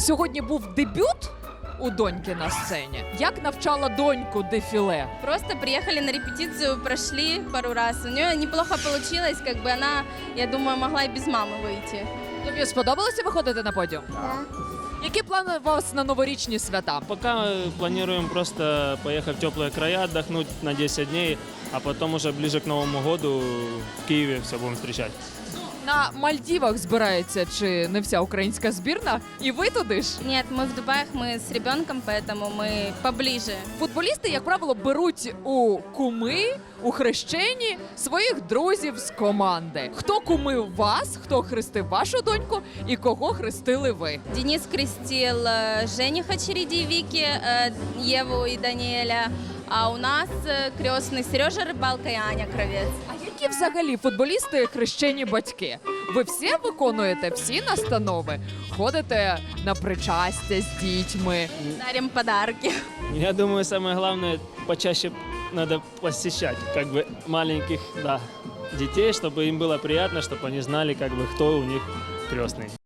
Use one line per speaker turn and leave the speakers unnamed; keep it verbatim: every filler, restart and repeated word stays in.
Сьогодні був дебют у доньки на сцені. Як навчала доньку дефіле?
Просто приехали на репетицию, прошли пару раз. У нее неплохо получилось, как бы она, я думаю, могла и без мамы выйти.
Тобі сподобалося виходити на подіум?
Да.
Які плани у вас на новорічні свята?
Пока мы планируем просто поехать в теплые края, отдохнуть на десять дней, а потом уже ближе к Новому году в Киеве все будем встречать.
На Мальдівах збирається чи не вся українська збірна? І ви туди ж?
Нет, мы в Дубаях, мы с ребенком, поэтому мы поближе.
Футболісти, як правило, беруть у куми, у хрещені своїх друзів з команди. Хто кумив вас, хто хрестив вашу доньку і кого хрестили ви?
Денис крестил э, жениха Череди Вики, э, Еву и Даниэля, а у нас э, крестный Сережа Рыбалка и Аня Кравец.
А які взагалі футболісти хрещені батьки? Ви всі виконуєте всі настанови? Ходите на причастя з дітьми?
Дарим подарки.
Я думаю, самое главное, почаще надо посещать как бы маленьких, да, детей, чтобы им было приятно, чтобы они знали, как бы, кто у них крестный.